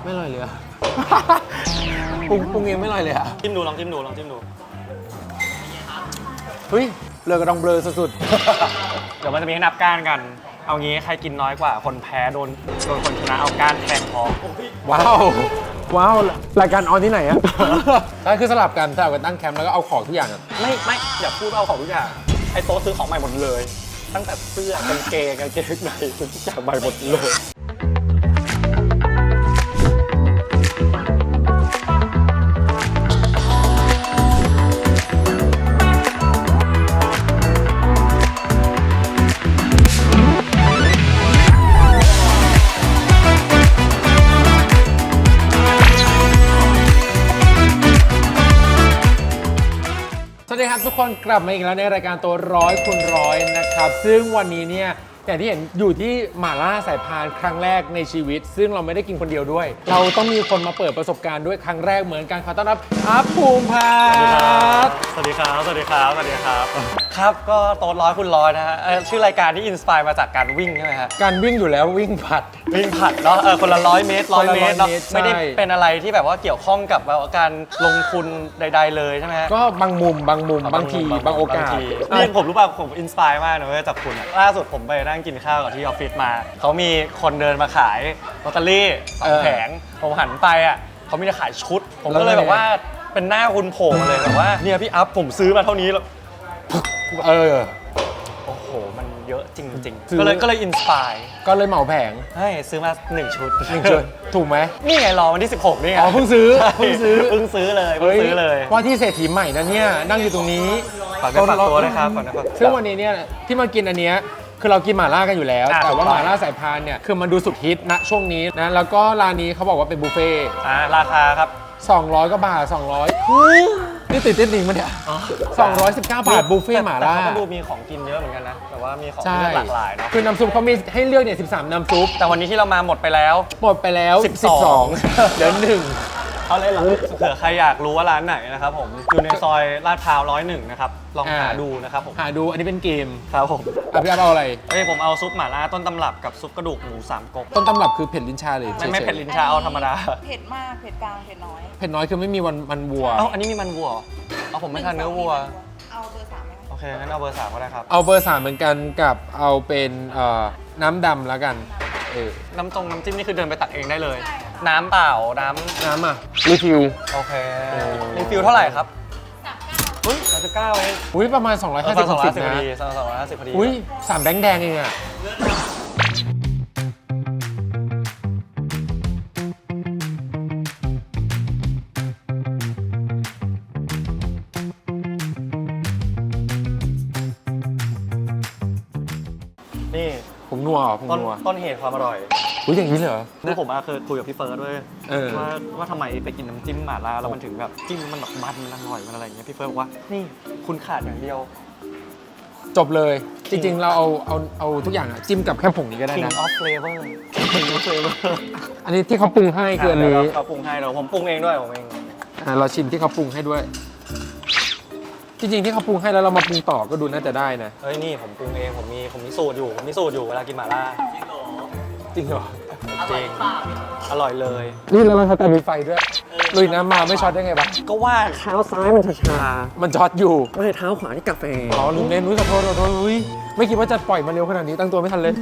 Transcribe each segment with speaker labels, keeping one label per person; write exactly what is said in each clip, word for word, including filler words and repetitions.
Speaker 1: ไม่อร่อยเลยอะปรุงปรุงเองไม่อร่อยเลยอะ
Speaker 2: จิ้มดูลองจิ้มดูลองจิ้มดู
Speaker 1: เฮ้ยเลือกระดองเบลอสุด
Speaker 2: เดี๋ยวมันจะมีให้นับก้านกันเอางี้ใครกินน้อยกว่าคนแพ้โดนโดนคนชนะเอาก้านแทงคอ
Speaker 1: ว้าวว้าวรายการออนที่ไหนอะถ้าคือสลับกันสลับกันตั้งแคมป์แล้วก็เอาของทุกอย่างอะ
Speaker 2: ไม่ไม่อย่าพูดเอาของทุกอย่างไอ้โต๊ะซื้อของใหม่หมดเลยตั้งแต่เสื้อกางเกงกางเกงในทุกอย่างใหม่หมดเลย
Speaker 1: สวัสดีครับทุกคนกลับมาอีกแล้วในรายการตัวร้อยคูณร้อยนะครับซึ่งวันนี้เนี่ยอย่างที่เห็นอยู่ที่หม่าล่าสายพานครั้งแรกในชีวิตซึ่งเราไม่ได้กินคนเดียวด้วย เราต้องมีคนมาเปิดประสบการณ์ด้วยครั้งแรกเหมือนกันขอต้อนรับอัพภูมิพัฒน์
Speaker 2: สวัสดีครับสวัสดีครับสวัสดีครับครับก็โต๊ะร้อยคูณร้อยนะฮะชื่อรายการที่อินสปายมาจากการวิ่งใช่ไหมฮะ
Speaker 1: การวิ่งอยู่แล้ววิ่งผัด
Speaker 2: วิ่งผัดเนาะเออคนละร้อยเมตรร้อยเมตรเนาะไม่ได้เป็นอะไรที่แบบว่าเกี่ยวข้องกับการลงทุนใดๆเลยใช่ไหมฮะ
Speaker 1: ก็บางมุมบางมุมบางทีบางโอกาส
Speaker 2: นี่ผมรู้ป่ะผมอินสปายมากนะจากคุณล่าสุดผมไปนั่งกินข้าวกับที่ออฟฟิศมาเขามีคนเดินมาขายลอตเตอรี่สองแผงผมหันไปอ่ะเขามีแต่ขายชุดผมก็เลยแบบว่าเป็นหน้าคุณโผล่มาเลยแบบว่าเนี่ยพี่อัพผมซื้อมาเท่านี้แล้ว
Speaker 1: เออ
Speaker 2: โอ้โหมันเยอะจริงๆก็เลยก็เลยอินสปาย
Speaker 1: ก็เลยเหมาแผง
Speaker 2: ให้ซื้อมาหนึ่งชุด
Speaker 1: หนึ่งชุดถูกไหม
Speaker 2: นี่ไงรอวันที่สิบหกนี่ไง
Speaker 1: อ๋อเพิ่งซื้อเพิ่งซื้อ
Speaker 2: เพิ่งซื้อเลยเพิ่งซื้อเลย
Speaker 1: ว่าที่เศรษฐีใหม่นะเนี่ยนั่งอยู่ตรงนี้
Speaker 2: ฝากฝากตัวเลยครับฝากนะ
Speaker 1: ซึ่งวันนี้เนี่ยที่มากินอันเนี้ยคือเรากินหม่าล่ากันอยู่แล้วแต่ว่าหม่าล่าสายพานเนี่ยคือมันดูสุดฮิตณช่วงนี้นะแล้วก็ร้านนี้เขาบอกว่าเป็นบุฟเฟ่ต์
Speaker 2: อ่าราคาครับ
Speaker 1: สองร้อยกว่าบาทสองร้อยนี่ติดเต้นจริงมั้ยเนี่ยสองร้อยสิบเก้าบาทบุฟเฟ่ต์หม่าล่า
Speaker 2: แต่เขาดูมีของกินเยอะเหมือนกันนะแต่ว่ามีของเลือกหลากหลายเนาะ
Speaker 1: คือน้ำซุปเขามีให้เลือกเนี่ยสิบสามน้ำซุป
Speaker 2: แต่วันนี้ที่เรามาหมดไปแล้ว
Speaker 1: หมดไปแล้วสิบสองเหลือหนึ่ง
Speaker 2: เอาเลยเหรอเผื่อใครอยากรู้ว่าร้านไหนนะครับผมอยู่ในซอยลาดพร้าวร้อยหนึ่งนะครับลองหาดูนะครับผม
Speaker 1: หาดูอันนี้เป็นเกม
Speaker 2: ครับผม
Speaker 1: อ่ะพี่เอาอะไร
Speaker 2: เอ้ยผมเอาซุปหม่าล่าต้นตำรับกับซุปกระดูกหมูสามก๊ก
Speaker 1: ต้นตำรับคือเผ็ดลิ้นชาเลย
Speaker 2: ไม่ไม่เผ็ดลิ้นชาเอาธรรมดา
Speaker 3: เผ็ดมากเผ็ดกลางเผ็ดน้อย
Speaker 1: เผ็ดน้อยคือไม่มีวันมันวัว
Speaker 2: เอ้าอันนี้มีมันวัวเอาผมไม่ทานเนื้อวัว
Speaker 3: เอาเบอร์สามไหม
Speaker 2: โอเคงั้นเอาเบอร์สามก็ได้ครับ
Speaker 1: เอาเบอร์สามเหมือนกันกับเอาเป็นน้ำดำแล้วกัน
Speaker 2: น้ำตรงน้ำจิ้มนี่คือเดินไปตักเองได้เลยน้ำเปล่าน้
Speaker 1: ำน้ำอ่ะรีฟิล
Speaker 2: โอเครีฟิลเท่าไหร่ครับอุ้ยสามสิบเก้าเอง
Speaker 1: อุ้ยประมาณสองร้อยห้าสิบนะ
Speaker 2: สองร้อยห้าสิบพอดีสองร้อยห้าสิบพอดี
Speaker 1: อุ้ยสามแบงค์แดงเองอ่ะ
Speaker 2: นี่
Speaker 1: ผมนัวเหรอผมนัว
Speaker 2: ต้นเหตุความอร่อย
Speaker 1: อุ้ยอย่างนี้เลยเหรอ
Speaker 2: คือผมเคยคุยกับพี่เฟิร์สด้วยว่าว่าทำไมไปกินน้ำจิ้มหม่าล่าแล้วมันถึงแบบจิ้มมันแบบมันมันอร่อยมันอะไรอย่างเงี้ยพี่เฟิร์สบอกว่านี่คุณขาดอย่างเดียว
Speaker 1: จบเลยจริงๆเราเอาเอาเอาทุกอย่างอะจิ้มกับแค่ผงนี้ก็ได้นะ
Speaker 2: King of Flavor King of Flavor
Speaker 1: อันนี้ที่เขาปรุงให้คืออันนี้
Speaker 2: เขาปรุงให้เราผมปรุงเองด้วยผมเอง
Speaker 1: อ่าเราชิมที่เขาปรุงให้ด้วยจริงๆที่เขาปรุงให้แล้วเรามาปรุงต่อก็ดูน่าจะได้นะ
Speaker 2: เฮ้ยนี่ผมปรุงเองผมมีผมมีสูตรอยู่ผมมีสูตรอยู่เวลากินหม่าล่า
Speaker 1: จริงเหรอ
Speaker 2: จริงอร่อยเลย
Speaker 1: นี่แล้วมันแต่มีไฟด้วยลุยน้ำมาไม่ช็อตได้ไงบ้าง
Speaker 2: ก็ว่าเท้าซ้ายมันชา
Speaker 1: มันช็อตอยู่
Speaker 2: ไม่เท้าขวาที่กาแฟ
Speaker 1: อ๋อลุงเล่นนุ้ยขอโทษขอโทษอุ้ยไม่คิดว่าจะปล่อยมาเร็วขนาดนี้ตั้งตัวไม่ทันเลย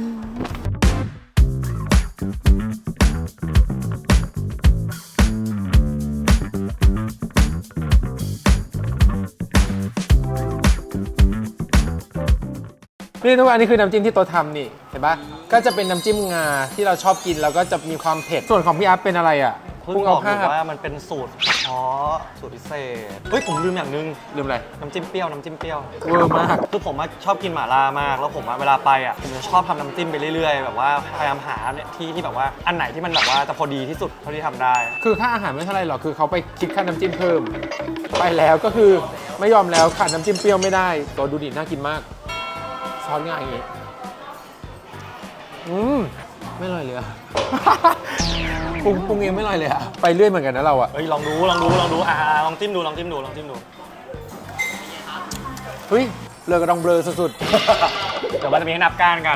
Speaker 1: นี่ทุกอันนี้คือน้ำจิ้มที่โต๊ะทำนี่เห็นปะก็จะเป็นน้ำจิ้มงาที่เราชอบกินแล้วก็จะมีความเผ็ดส่วนของพี่อัพเป็นอะไรอ่ะ
Speaker 2: เพิ่งบอกอยู่ว่ามันเป็นสูตรเฉพาะสูตรพิเศษเฮ้ยผมลืมอย่างนึง
Speaker 1: ลืมอะไร
Speaker 2: น้ำจิ้มเปรี้ยวน้ำจิ้มเปรี้ยว
Speaker 1: เวอร์มาก
Speaker 2: คือผมชอบกินหม่าล่ามากแล้วผมเวลาไปอ่ะผมจะชอบทำน้ำจิ้มไปเรื่อยๆแบบว่าพยายามหาที่ที่แบบว่าอันไหนที่มันแบบว่าจะพอดีที่สุดเท่าที่ทำได้
Speaker 1: คือค่าอาหารไม่เท่าไรหรอกคือเขาไปคิดค่าน้ำจิ้มเพิ่มไปแล้วก็คือไม่ยอมแล้วขาดน้ำจิ้มเปรี้ยวไม่ได้ตัวดูดิน่ากินมากซอสง่ายอย่างงี้อืมไม่อร่อยเลยอะปรุงปรุงเองไม่อร่อยเลยอะไปเรื่อยเหมือนกันนะเราอะ
Speaker 2: เฮ้ยลองดูลองดูลองดูอ่าลองจิ้มดูลองจิ้มดูลองจิ้มดู
Speaker 1: เฮ้ยเลือกระดองเบลอสุด
Speaker 2: ๆเดี๋ยวมันจะมีให้นับก้านกัน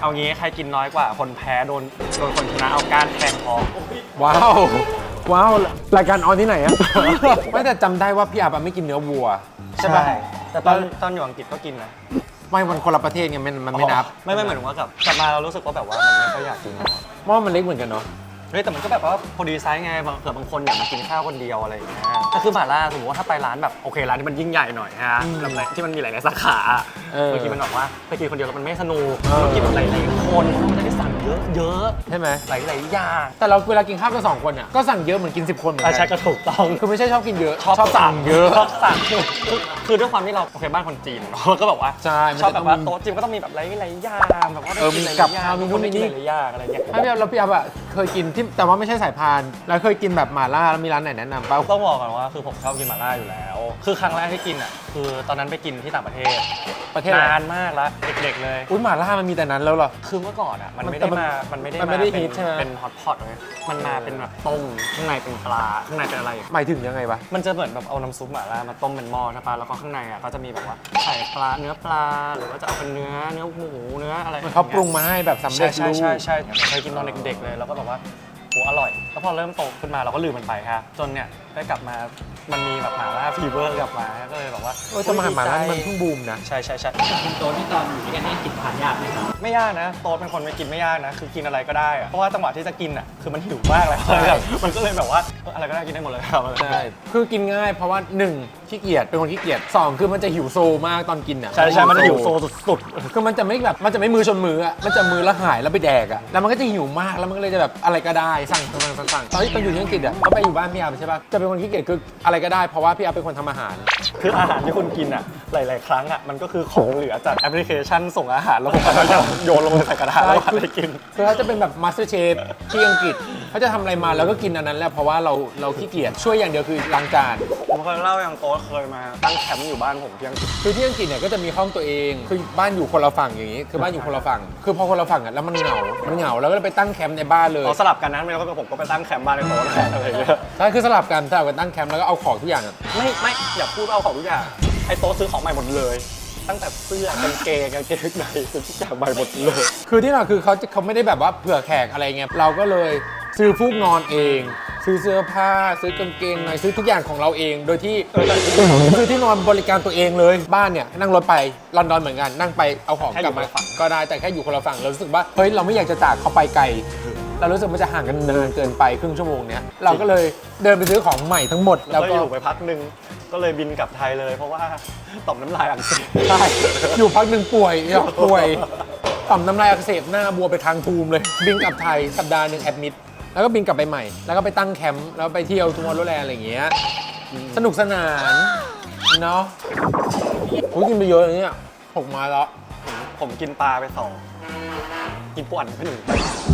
Speaker 2: เอางี้ใครกินน้อยกว่าคนแพ้โดนโดนคนชนะเอาก้านแทงคอ
Speaker 1: ว้าว ว้าว รายการออนที่ไหนอะ ไม่แต่จำได้ว่าพี่อาบอะไม่กินเนื้อวัว ใช่ปะ
Speaker 2: แต่ตอนตอนอยู่อังกฤษก็กินนะ
Speaker 1: ไม่มันคนละประเทศไงมันมันไม่นับ
Speaker 2: ไม่ไม่เหมือนว่ากลับกลับมาเรารู้สึกว่าแบบว่ามันไม่ค่อยอยากกิน
Speaker 1: หม้อมันเล็กเหมือนกันเนาะ
Speaker 2: เฮ้ยแต่มันก็แบบว่าพอดีไซส์ไงบางเผื่อบางคนอยากมากินข้าวคนเดียวอะไรอย่างเงี้ยถ้าคือหม่าล่าสมมติว่าถ้าไปร้านแบบโอเคร้านที่มันยิ่งใหญ่หน่อยฮะแบบไหนที่มันมีหลายๆสาขา
Speaker 1: เออ
Speaker 2: บางทีมันบอกว่าไปกินคนเดียวแล้วมันไม่สนุก
Speaker 1: เออ
Speaker 2: ต้องกินแบบหลายๆคนมันจะได้สั่งเยอะเยอะ
Speaker 1: ใช่ไหม
Speaker 2: หลายๆอย่าง
Speaker 1: แต่เราเวลากินข้าวกันสองคนอ่ะก็สั่งเยอะเหมือนกินสิบคนเหมือน
Speaker 2: อา
Speaker 1: กั
Speaker 2: ใช่ก็ถูกต้อง
Speaker 1: คือไม่ใช่ชอบกินเยอะ
Speaker 2: ชอบสั่ง
Speaker 1: เยอะ
Speaker 2: ชอบสั่งคือคือด้วยความที่เราโอเคบ้านคนจีนเนอะก็แบบว่า
Speaker 1: ใช่มัน
Speaker 2: ชอบ
Speaker 1: จะ
Speaker 2: แบบว่า
Speaker 1: ต้องมี
Speaker 2: โต๊ะจีนก็ต้องมีแบบหลายๆอย่างแบบว่าได้
Speaker 1: เออ
Speaker 2: กิน
Speaker 1: มี
Speaker 2: หลาย
Speaker 1: กับ
Speaker 2: ๆอย่า
Speaker 1: ข้าว
Speaker 2: ง
Speaker 1: มีนู่นมีนี่
Speaker 2: หลายๆอย่างอะไรเงี้ย
Speaker 1: ไม่พี่อาบแล้วพี่อาบอะเคยกินที่แต่ว่าไม่ใช่สายพาน แล้วเคยกินแบบหม่าล่าแล้วมีร้านไหนแนะนำป่ะ
Speaker 2: ต้องบอกก่อนว่าคือผมชอบกินหม่าล่าอยู่แล้ว คือครั้งแรกที่กินอ่ะคือตอนนั้นไปกินที่ต่างประเทศ
Speaker 1: ประเทศอะไร
Speaker 2: นานมากแล้วเด็กๆเลย
Speaker 1: อุ้ยหม่าล่ามันมีแต่นั้นแล้วเหรอ
Speaker 2: คือเมื่อก่อนอ่ะมัน
Speaker 1: มัน
Speaker 2: ไม่
Speaker 1: แต่
Speaker 2: ได้
Speaker 1: มัน
Speaker 2: มา มันไม่ได้
Speaker 1: มันไม่ได้
Speaker 2: าเป็น
Speaker 1: ฮิตใช่ไหม
Speaker 2: เป็นฮอตพอตเลยมันมาเป็นแบบต้มข้างในเป็นปลาข้างในเป็นอะไร
Speaker 1: หมายถึงยังไงวะ
Speaker 2: มันจะเหมือนแบบเอาน้ำซุปหม่าล่ามาต้มเป็นหม้อใช่ปะแล้วก็ข้างในอ่ะก็จะมีแบบว่าใส่ปลาเนื้อปลาหรือว่าจะเอาเป็นเนื้อเนื้อหมูเนื้ออะไร
Speaker 1: มันเขาปรุงมาให้แบบสำเร็
Speaker 2: ใช่
Speaker 1: จ
Speaker 2: ใช่
Speaker 1: รูป
Speaker 2: ใช่ใช่เคยกินตอนเด็กๆเลยแล้วก็แบบว่าโหอร่อย แล้วพอเริ่มโตขึ้นมาเราก็ลืมมันไปค่ะจนเนี่ยได้กลับมามันมีแบบหม่าล่าฟีเวอร์กลับมาก็เลยแบบว่า
Speaker 1: เออแต่มาหาหม่าล่านี่มันเพิ่งบูมนะ
Speaker 2: ใช่ใช่ใช่
Speaker 4: คุณโตที่ตอนอยู่ด้วยกันให้กินทานยากไหมครับ
Speaker 2: ไม่ยากนะโต๊ดเป็นคนไม่กินไม่ยากนะ คือกินอะไรก็ได้อะเพราะว่าจังหวะที่จะกินอ่ะคือมันหิวมากเลย
Speaker 1: ใช่
Speaker 2: แบบมันก็เลยแบบว่าเอออะไรก็ได้กินได้หมดเลยครับ
Speaker 1: ใช่ คือกินง่ายเพราะว่าหนึ่งขี้เกียจเป็นคนขี้เกียจสองคือมันจะหิวโซมากตอนกินอ่ะ
Speaker 2: ใช่ใช่มันจะหิวโซสุด
Speaker 1: คือมันจะไม่แบบมันจะไม่มือชนมืออ่ะมันจะมือแล้วหายแล้วไปแดกอ่ะแล้วมันก็จะหิวมากแล้วมันก็เลยจะแบบอะไรก็ได้สั่งสั่งสั่งสั่งตอนที่ไปอยู่ที่อังกฤษอ่ะก็ไปอยู่บ้านพี่อาร์ใช่ป่ะจะเป็นคนขี้เกียจคืออะไรก็ได้เพราะว่าพี่อาร์เป็นคนทำอาหาร
Speaker 2: ๆคืออาหารที่คุณกินอ่ะหลาย ๆ ครั้งอ่ะมันก็คือของเหลือจากแอปพลิเคชันส่งอาหารแล้วผมก็จะโยนลงไปใส่กระทะแล้วให้กิน
Speaker 1: คือเขาจะเป็นแบบมาสเตอร์เชฟที่อังกฤษเขาจะทำอะไรมาแล้วก็กินอันนั้นแหละเพราะว่าเราเราขี้เกียจช่วยอย่างเดียวคือล้างจาน
Speaker 2: ผมเคยเล่าอย่างโต๊ดเคยมาตั้งแคมป์อยู่บ้านผมที่อังกฤษ
Speaker 1: คือที่อังกฤษเนี่ยก็จะมีห้องตัวเองคือบ้านอยู่คนละฝั่งอย่างนี้ คือบ้านอยู่คนละฝั่งคือพอคนละฝั่งอ่ะแล้วมันเหงา มันเหงาแล้วก็เลยไปตั้งแคมป์ในบ้านเลย
Speaker 2: เราสลับกันนะไม่แล้วก็ผมก็ไปตั้งแคมป์บ้านในโต๊ดอะไรอย่างเงี้ย
Speaker 1: ใช่คือสลับกันสลับกันตั้งแคมป์แล้วก็เอาของทุกอย่างอะ
Speaker 2: ไม่ไม่อย่าพูดว่าเอาของทุกอย่างไอ้โต๊ดซื้อของใหม่หมดเลย ตั้งแต่เสื้อกางเกงกางเกงในซื้อทุกอย่างใหม่หมดเลย
Speaker 1: คือที่เราคือเขาจะเขาไม่ได้แบบว่าเผื่อแขกอะไรเงี้ยเราก็เลยซื้อฟูกนอนเอง ซื้อเสื้อผ้าซื้อกางเกงในซื้อทุกอย่างของเราเอง โดยที่ซื้อที่นอนบริการตัวเองเลยบ้านเนี่ยนั่งรถไปลอนดอนเหมือนกันนั่งไปเอาของกลับมาก็ได้แต่แค่อยู่คนละฝั่งเรารู้สึกว่าเฮ้ยเราไม่อยากจะจากเขาไปไกล เรารู้สึกมันจะห่างกันนานเกินไปครึ่งชั่วโมงเนี้ยเราก็เลยเดินไปซื้อของใหม่ทั้งหมด
Speaker 2: แล้
Speaker 1: แล้ว ว
Speaker 2: ก็
Speaker 1: ก็
Speaker 2: อยู่ไปพักหนึ่งก็เลยบินกลับไทยเลย เพราะว่าต่อมน้ำลายอักเสบ
Speaker 1: ใช่อยู่พักหนึ่งป่วยเนี่ยป่วยต่อมน้ำลายอักเสบหน้าบวมไปทางภูมิเลย บินกลับไทยสัปดาห์หนึ่งแอดมิดแล้วก็บินกลับไปใหม่ แล้วก็ไปตั้งแคมป์แล้วไปเที่ยวทัวร์โรแลนด์อะไรอย่างเงี้ยสนุกสนานเนาะผมกินไปเยอะอย่างเงี้ยหกมาแล้ว
Speaker 2: ผมกินปลาไปสองกินปูอัดไปหนึ่ง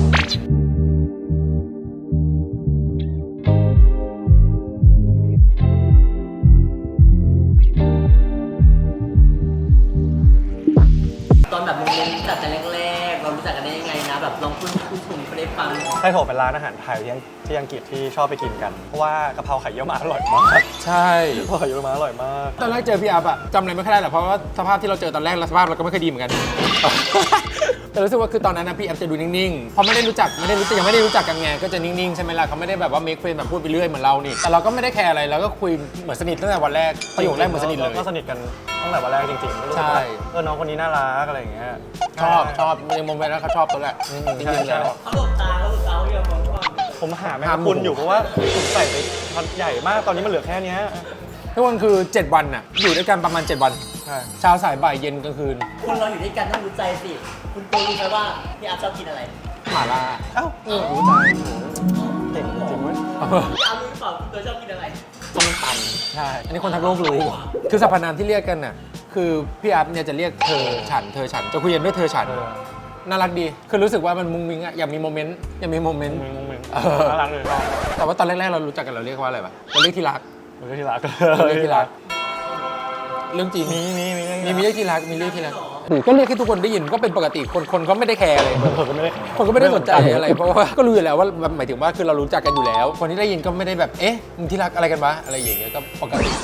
Speaker 4: ตอนแบบโมเมนต์รู้จักกันแรกๆ เรารู้จักกันได้ยังไงนะ แบบลองพูดพูดชมเขาได้ฟัง
Speaker 2: ไส้โถเป็นร้านอาหารไทยที่ที่อังกฤษที่ชอบไปกินกัน เพราะว่ากะเพราไข่เยี่ยวม้าอร่อยมาก
Speaker 1: ใช่
Speaker 2: กะเพราไข่เยี่ยวม้าอร่อยมาก
Speaker 1: ตอนแรกเจอพี่อัพอะจำอะไรไม่ค่อยได้หรอกเพราะว่าสภาพที่เราเจอตอนแรกและสภาพเราก็ไม่ค่อยดีเหมือนกัน แต่รู้สึกว่าคือตอนนั้นนะพี่แอฟจะดูนิ่งๆ เพราะไม่ได้รู้จักไม่ได้รู้จักยังไม่ได้รู้จักกันไงก็จะนิ่งๆใช่ไหมล่ะเขาไม่ได้แบบว่าเมคเฟรนแบบพูดไปเรื่อยเหมือนเรานี่แต่เราก็ไม่ได้แคร์อะไรเราก็คุยเหมือนสนิทตั้งแต่วันแรกประโยคแรกเหมือนสนิทเลย
Speaker 2: ก็สนิทกันตั้งแต่วันแรกจริงๆรู้สึก
Speaker 1: ใช่
Speaker 2: ว่าเออน้องคนนี้น่ารักอะไรอย่างเงี้ย
Speaker 1: ชอบชอบในโมเมนต์นั้นเขาชอบตัวแหละจริงๆแล้ว
Speaker 4: เขาหลบตาเขาหลบตาเขาเรียกว่า
Speaker 2: ผมหาแมง
Speaker 1: หาก
Speaker 2: ะ
Speaker 1: หมู
Speaker 2: พรุนอยู่เพราะว่าผมใส่ไปช็อตใหญ่มากตอนนี้มันเหลือแค่เนี้ย
Speaker 1: ทุกคนคือเจ็ดวันน่ะอยู่ด้วยกันประมาณเจ็ดวัน
Speaker 2: ใช่
Speaker 1: เช้าสายบ่ายเย็นกลางคืน
Speaker 4: คนเราอยู่ด้วยกันต้องรู้ใจสิ คุณโตรู้ไหมว่าพี่อาร์ตชอบกินอะไร
Speaker 1: หม่าล่า
Speaker 2: เอ้ารู้ใจเก่งจริงเว้ย
Speaker 4: พี่อาร์ตรู้หรือเปล่าคุณโตชอบกินอะไร
Speaker 2: ต้มต
Speaker 1: ใช่อันนี้คนทั้งโลกรู้คือสรรพนามที่เรียกกันน่ะคือพี่อัพเนี่ยจะเรียกเธอฉันเธอฉันจะคุยกันด้วยเธอฉัน
Speaker 2: ำเออ
Speaker 1: น่ารักดี คือรู้สึกว่ามันมุ้งมิ้งอะอยากมีโมเมนต์ อยากมีโมเมนต์
Speaker 2: มึงมึงมึง
Speaker 1: เออ
Speaker 2: น่ารักเลยชอบ
Speaker 1: แต่ว่าตอนแรกๆเรารู้จักกันเราเรียกว่าอะไรปะเราเรียกที่รัก
Speaker 2: มึงก็ที่รัก
Speaker 1: เราเรียกที่รัก เรื่องจริง
Speaker 2: มีมีมี
Speaker 1: มีมีเรียกที่รัก มีเรียกที่รักหรือก็เรียกให้ทุกคนได้ยินก็เป็นปกติ คนคนก็ไม่ได้แคร์อะไร
Speaker 2: ผมก็ไม่ได้
Speaker 1: คนก็ไม่ได้สนใจอะไร เพราะว่าก็รู้อยู่แล้วว่าหมายถึงว่าคือเรารู้จักกันอยู่แล้ว คนที่ได้ยินก็ไม่ได้แบบ เอ๊ะมึงที่รักอะไรกันวะอะไรอย่างเงี้ยก็ปกติ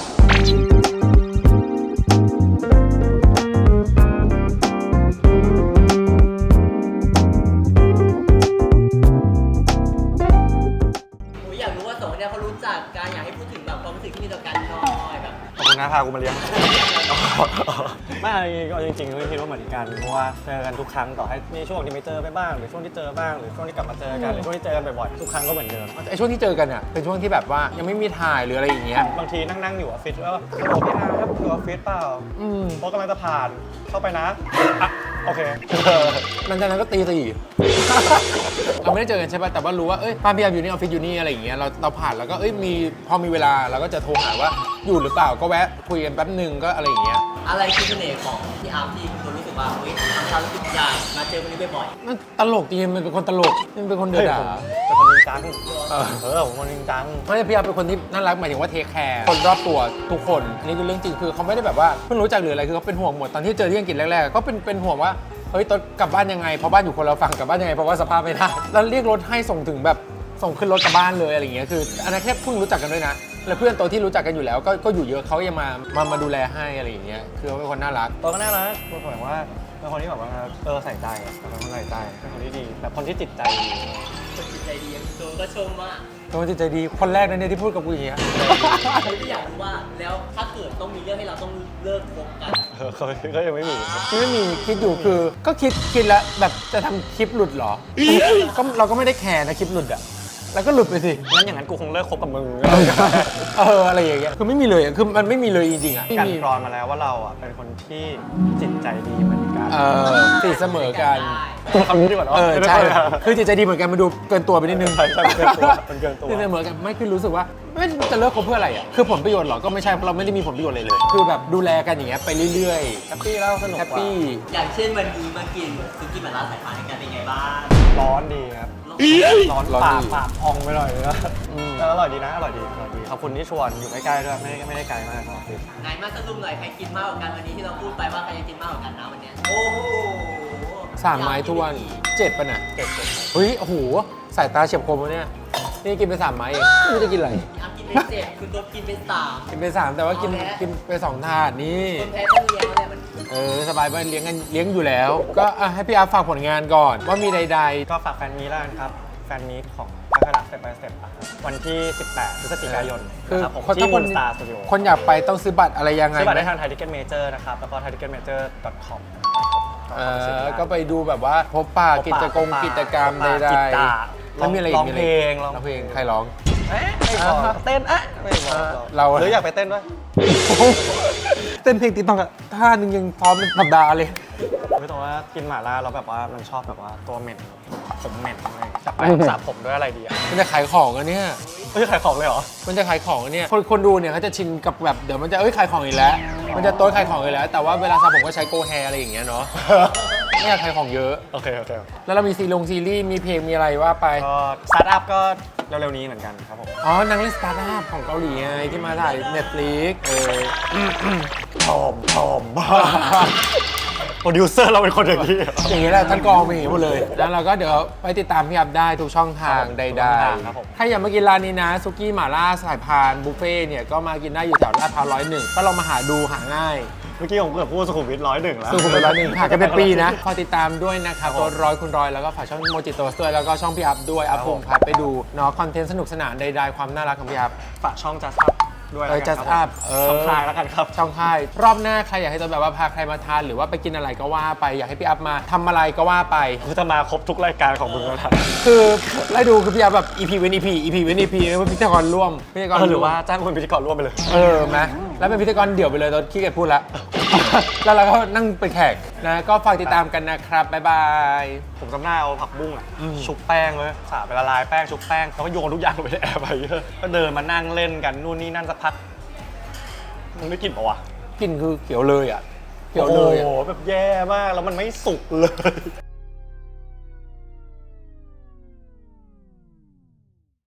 Speaker 4: ได้เขารู้จักกันอยากให้พูดถึงแบบความรู้สึกที่มีต่อกันหน่อยแบบ
Speaker 2: ขอบคุณนะพากูมาเลี้ยง ไม่เอาจริงๆก็คิดว่าเหมือนกันเพราะว่าเจอกันทุกครั้งต่อให้มีช่วงที่ไม่เจอไปบ้างหรือช่วงที่เจอบ้างหรือช่วงที่กลับมาเจอกันหรือช่วงที่เจอกันบ่อยๆทุกครั้งก็เหมือนเดิม
Speaker 1: ไอช่วงที่เจอกันอ่ะเป็นช่วงที่แบบว่ายังไม่มีถ่ายหรืออะไรอย่างเงี้ย
Speaker 2: บางทีนั่งๆอยู่ออฟฟิศแล้วโอ้พี่นาครับอยู่ออฟฟิศเปล่า
Speaker 1: อืม
Speaker 2: เพราะกำลังจะผ่านเข้าไปนะอ่ะโอเค
Speaker 1: หลังจากนั้นก็ตีสี่ เราไม่ได้เจอกันใช่ป่ะแต่ว่ารู้ว่าเอ้ยป้าพี่ยามอยู่นี่ออฟฟิศอยู่นี่อะไรอย่างเงี้ยเราเราผ่านแล้วก็เอ้ยมีพอมีเวลาเราก็จะโทรหาว่าอยู่หรือเปล่าก็แวะคุยกันแป๊บหนึงก็อะไรอย่างเงี้ย
Speaker 4: อะไรคือเสน่ห์ของพี่อาร์มที่คุณรู้สึกว่าเฮ้ยทำเขารู้สึกอยากมาเจอคนนี้บ่อย
Speaker 1: มันตลกจริงๆมันเป็นคนตลกมันเป็นคนเดือดดา
Speaker 2: เป็นคนจริงจัง
Speaker 1: เออ
Speaker 2: เออผมคนจริงจัง
Speaker 1: ไม่ใช่พี่ยามเป็นคนที่น่ารักหมายถึงว่าเทคแคร์คนรอบตัวทุกคนอันนี้คือเรื่องจริงคือเขาไม่ได้แบบว่าเพิ่งรู้จักหรืออะไรคือเขาเป็นห่วงหมดตอนที่เจอที่อังกฤษแรกๆก็เป็นเป็นห่วงว่าเฮ้ยตอนกลับบ้านยังไงเพราะบ้านอยู่คนละฝั่งกลับบ้านยังไงเพราะว่าสภาพไม่ได้แล้วเรียกรถให้ส่งถึงแบบส่งขึ้นรถกลับบ้านเลยอะไรอย่างเงี้ยคืออันนั้นแค่เพิ่งรู้จักกันด้วยนะแล้วเพื่อนโตที่รู้จักกันอยู่แล้วก็ก็อยู่เยอะเขายังมามามาดูแลให้อะไรอย่างเงี้ยคือเขาเป็นคนน่ารัก
Speaker 2: ตัวก็น่ารักผมหมายว่าเป็นคนที่แบบว่าเออใส่ใจอะเป็นคนใส่ใจเป็นคนที่ดีแบบคนที่จิตใจดี
Speaker 4: ๆคนจิตใจดีอย่างตัวก็ชมว่า
Speaker 1: เป็นคนจิตใจดีคนแรกนะเนี่ยที่พูดกับกูอย่างเงี้ย
Speaker 4: คือที่อยากรู้ว่าแล้วถ้าเกิดต้องมีเรื่องให้เราต้องเลิกคบกัน
Speaker 2: เออเขาก็ยังไม่มี
Speaker 1: ไม่มีคิดอยู่คือก็คิดคิดแล้วแบบจะทำคลิปหลุดเหรอก็เราก็ไม่ได้แคร์นะคลิปหลุดอะแล้วก็หลุดไปสิ
Speaker 2: งั้นอย่างนั้นกูคงเลิกคบกับมึง
Speaker 1: เอออะไรอย่างเงี้ยคือไม่มีเลยอะคือมันไม่มีเลยจริงๆอะไม่
Speaker 2: กัน
Speaker 1: มี
Speaker 2: กรอนมาแล้วว่าเราอ่ะเป็นคนที่จิตใจดีเหมือนกัน
Speaker 1: เออติดเสมอกัน
Speaker 2: คำนี้ดีกว่าเนาะ
Speaker 1: เออใช่คือจิตใจดีเหมือนกันมันดูเกินตัวไปนิดนึง
Speaker 2: ใช่ใช่มันเกินตัวมันเกินตัว
Speaker 1: ติดเสมอกันไม่คือรู้สึกว่าไม่จะเลิกคบเพื่ออะไรอะคือผลประโยชน์เหรอก็ไม่ใช่เพราะเราไม่ได้มีผลประโยชน์เลยเลย คือแบบดูแลกันอย่างเงี้ยไปเรื่อย
Speaker 2: แฮปปี้แล้วส
Speaker 1: ๆ
Speaker 2: นุก
Speaker 1: แฮป
Speaker 2: กว่า
Speaker 1: ปี้
Speaker 4: อย่างเช่นวันนี้มากินซุกี้หม่าล่าสายพานกันเป็นไงบ้าง
Speaker 2: ร้อนดีครับ ร้อนปากปากพองไปหน่อยนะแต่อร่อยดีนะ อร่อยดี อร่อยดี ขอบคุณที่ชวน อยู่ใกล้ๆด้วย ไม่ได้ไม่ได้ไกลมากครับ
Speaker 4: ไหนมาสรุปหน่อยใครกินมากกว่ากันวันนี้ที่เราพูดไปว่าใครจะกินมากกว่ากันนะวันเนี้ยโอ้โห
Speaker 1: สามไม้ทวนเจ็ดป่ะน่ะ
Speaker 2: เจ็บเจ็บ
Speaker 1: เฮ้ยโอ้โหสายตาเฉียบคมวะเนี่ยนี่กินไปสามไม้เองไม่รู้จะกินอะไร
Speaker 4: พี่อาร์มกินไปเจ็ดคุณตัวกินไปสาม
Speaker 1: กินไปสามแต่ว่ากิน
Speaker 4: เอาแล้ว
Speaker 1: กินไปสองถาดนี่
Speaker 4: คนแพ้ต้องเลี้ยงอะไรมัน
Speaker 1: เออสบายไปเลี้ยงกันเลี้ยงอยู่แล้ว ก็อ่ะให้พี่อาร์ตฝากผลงานก่อน ว่ามีใด
Speaker 2: ก็ฝากแฟนมีแล้วกันครับ แฟนมีของพักรักสเต็ปบายสเต็ปวันที่ สิบแปด พฤศจิกายน
Speaker 1: ๆ คือ
Speaker 2: นะครับผม
Speaker 1: คน
Speaker 2: ที่
Speaker 1: ถ้า
Speaker 2: มู
Speaker 1: คน
Speaker 2: นสตาร์สตูดิโอ
Speaker 1: คนอยากไปต้องซื้อบัตรอะไรยังไง
Speaker 2: ซื้อบัตรได้
Speaker 1: ไหม
Speaker 2: ทางไทยทิเก็ตเมเจอร์นะครับ แล้วก็ ไทยทิเก็ตเมเจอร์ ดอท คอม
Speaker 1: เออก็ไปดูแบบว่าพบปะกิจกรรมกิจกรรมใด
Speaker 2: จิตตา
Speaker 1: ๆแล้วมีอะไรอี
Speaker 2: ร้
Speaker 1: ก
Speaker 2: อง
Speaker 1: มีอะ
Speaker 2: เพ
Speaker 1: ไร
Speaker 2: ล
Speaker 1: อีก
Speaker 2: ง
Speaker 1: ร้องเพลงใครร้อง
Speaker 2: เอ๊ะไม่บอก
Speaker 1: อ่า
Speaker 2: เต้นเอ๊ะไม่บอก
Speaker 1: เรา
Speaker 2: หรืออยากไปเต้นด้วย
Speaker 1: เต้นเพลงติ๊กต็อกอะท่านึงยังพร้อมเป็นสัปดาห์เลย
Speaker 2: ไม่ต้องว่ากินหม่าล่าแล้วแบบว่ามันชอบแบบว่าตัวเหม็นผมเหม็นอะไรจะไปสระผมด้วยอะไรดีอ่ะ
Speaker 1: มันจะขายของอันเนี้ย
Speaker 2: ไม่ใช่ขายของเลยเหรอ
Speaker 1: มันจะขายของอันเนี้ยคนคนดูเนี่ยเขาจะชินกับแบบเดี๋ยวมันจะเอ้ยขายของอีกแล้ว มันจะโต๊ะขายของอีกแล้ว แต่ว่าเวลาสระผมก็ใช้โกแฮอะไรอย่างเงี้ยเนาะ ไม่อยากขายของเยอะ
Speaker 2: โอเคโอเค
Speaker 1: แล้วเรามีซีลงซีรีส์มีเพลงมีอะไรว่าไป
Speaker 2: ก็สตาร์ทอัพก็เร็วๆนี้เหมือนกันครับผม
Speaker 1: อ๋อนางเล่นสตาร์ทอัพของเกาหลีไงที่มาถ่าย Netflix เออ
Speaker 2: ทอมทอมบ้าโปรดิวเซอร์เราเป็นคนอย่างนี้
Speaker 1: อย่างนี้แหละท่านกองเป็นอย่างนี้หมดเลย แล้วเราก็เดี๋ยวไปติดตามพี่อัพได้ทุกช่องทางใด
Speaker 2: ทุกช่องทางครับผม
Speaker 1: ๆ ถ้าอยากมากินร้านนี้นะซุกี้หม่าล่าสายพานบุฟเฟ่ต์เนี่ยก็มากินได้อยู่แถวลาดพร้าวร้อยหนึ่งก็ลองมาหาดูหาง่าย
Speaker 2: เมื่อกี้ผมเกือบพูดสุขุมวิทร้อยหนึ่งแล้ว
Speaker 1: สู้คุณไปร้อยหนึ่งหากันเป็นปีนะขอติดตามด้วยนะครับ
Speaker 2: ครับผม
Speaker 1: ตัวร้อยคุณร้อยแล้วก็ฝากช่องโมจิโตสด้วยแล้วก็ช่องพี่อัพด้วยอัพ
Speaker 2: ครับ
Speaker 1: ภู
Speaker 2: ผม
Speaker 1: มิพัฒน์ไปดูเนาะคอนเทนต์สนุกสนานใดๆความน่ารักของพี่อัพ
Speaker 2: ฝากช่อง Just Up ด้วย
Speaker 1: เออ
Speaker 2: แล้วกัน
Speaker 1: Just
Speaker 2: ครับ
Speaker 1: Up เออ
Speaker 2: ช่องคลายแล้วกันครับ
Speaker 1: ช่องค่ายรอบหน้าใครอยากให้ตัวแบบว่าพาใครมาทานหรือว่าไปกินอะไรก็ว่าไปอยากให้พี่อัพมาทำอะไรก็ว่าไป
Speaker 2: กูจะมาครบทุกรายการของมึงแล้วนะ
Speaker 1: คือไล่ดูคือพี่อัพแบบ อี พี เว้น อี พี อี พี เว้น อี พีเป็นพิธีกรร่วมพิธีกร
Speaker 2: เออหรือ
Speaker 1: วม
Speaker 2: ว่าจ้างคนเป็นพิธีกรร่วมไปเลย
Speaker 1: เออไหมแล้วเป็นพิธีกรเดี่ยวไปเลยตอนขี้เกียจพูดละ แล้วเราก็นั่งเป็นแขกนะก็ฝากติดตามกันนะครับบ๊ายบาย
Speaker 2: ผมจำหน้าเอาผักบุ้งอ่ะ
Speaker 1: อืม
Speaker 2: ชุบแป้งเลยสาไปละลายแป้งชุบแป้งแล้วก็โยนทุกอย่างลงไปในแอร์ไปเยอะก็เดินมานั่งเล่นกันนู่นนี่นั่นสักพักมึงได้กลิ่นปะวะ
Speaker 1: กลินคือเขียวเลยอ่ะเขียวเลยอ่ะ
Speaker 2: โอ้โหแบบแย่มากแล้วมันไม่สุกเลย